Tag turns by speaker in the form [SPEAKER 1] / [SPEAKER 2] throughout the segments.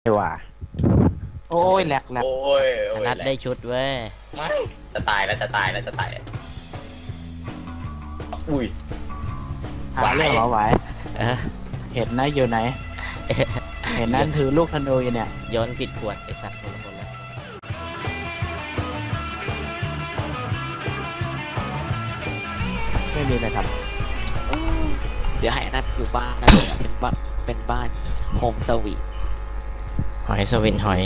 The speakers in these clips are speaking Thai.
[SPEAKER 1] ไม่ว่าโอ้ยแหลก
[SPEAKER 2] โอ้ยโอ้ย
[SPEAKER 3] นัดได้ชุดเว้ย
[SPEAKER 2] ไม่จะตายแล้วจะตายแล้วจะตายแล้วอุ้ย
[SPEAKER 1] หาเรื่องเหรอไหว
[SPEAKER 3] เออ
[SPEAKER 1] เห็นนะอยู่ไหน เห็นนั่นถือลูกธนูอยู่เนี่ย
[SPEAKER 3] โยนผิดขวดไอสัตว์คนละคนละ
[SPEAKER 1] ไม่มีเลยครับ
[SPEAKER 4] เดี๋ยวให้นัดอยู่บ้านนะเป็นบ้านโฮมสวีท
[SPEAKER 3] หอยสวินหอย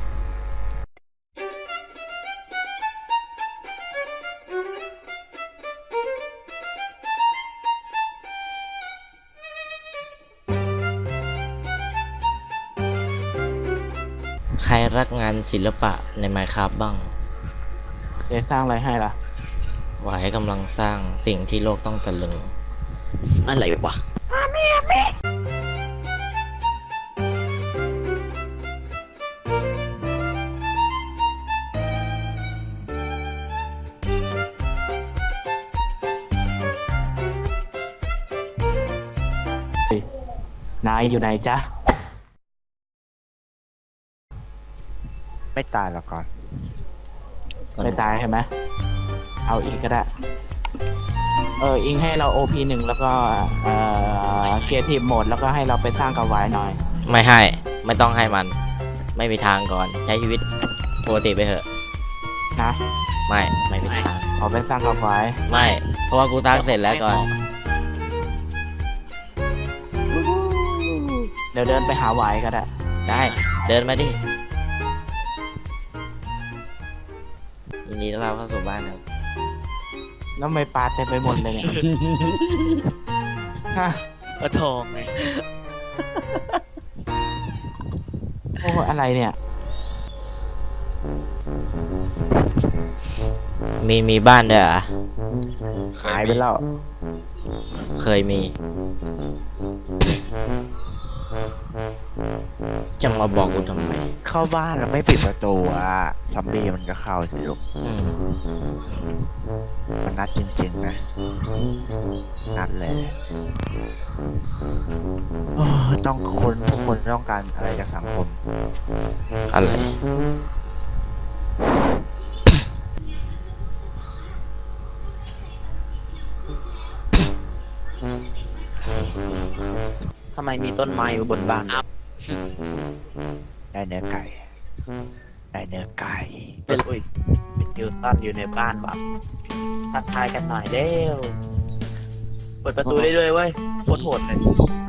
[SPEAKER 3] ใครรักงานศิลปะในไมค์ครับบ้าง
[SPEAKER 1] จะสร้างอะไรให้ล่ะ
[SPEAKER 3] หวายกำลังสร้างสิ่งที่โลกต้องตะลึง
[SPEAKER 4] อะไรวะ
[SPEAKER 1] นายอยู่ไหนจ๊ะ
[SPEAKER 5] ไม่ตายหรอกก่อน
[SPEAKER 1] ไม่ตายใช่ไหมเอาอีกก็ได้ อิงให้เรา OP1 แล้วก็เกียร์ทีมโหมดแล้วก็ให้เราไปสร้างกับไวหน่อย
[SPEAKER 3] ไม่ให้ ไม่ต้องให้มัน ไม่มีทางก่อน ใช้ชีวิตปกติไปเถอะ
[SPEAKER 1] นะ
[SPEAKER 3] ไม่มีทาง
[SPEAKER 1] ขอไปสร้างกับไว
[SPEAKER 3] ไม่ เพราะว่ากูตั้งเสร็จแล้วก่อน
[SPEAKER 1] เดี๋ยวเดินไปหาไวก็ได้
[SPEAKER 3] ได้ เดินมาดิยินดีต้อนรับเข้าสู่บ้านครับ
[SPEAKER 1] แล้วไม่ปลาเต็มไปหมดเลยเนี่ย ฮะ
[SPEAKER 4] ก็ทองไง
[SPEAKER 1] โอ้อะไรเนี่ย
[SPEAKER 3] มีบ้านด้วยเหรอ
[SPEAKER 5] หายไปแล้ว
[SPEAKER 3] เคยมี จะมาบอกกูทำไม
[SPEAKER 5] เข้าบ้านแล้วไม่ปิดประตูอ่ะซอมบี้มันก็เข้าสิลูก
[SPEAKER 3] อืม
[SPEAKER 5] มันนัดจริงๆนะ นัดเลยโอ้ต้องคนทุกคนต้องการอะไรจากสังคม
[SPEAKER 3] อะไร
[SPEAKER 6] ทำไมมีต้นไม้อยู่บนบ้าน
[SPEAKER 5] ได้เนื้อไก่ ได้เนื้อไก่
[SPEAKER 6] เป็นอุ้ยเป็นยูซันอยู่ในบ้านว่ะทักทายกันหน่อยเด้วเปิดประตูได้ด้วยเว้ยโคตรโหดเลย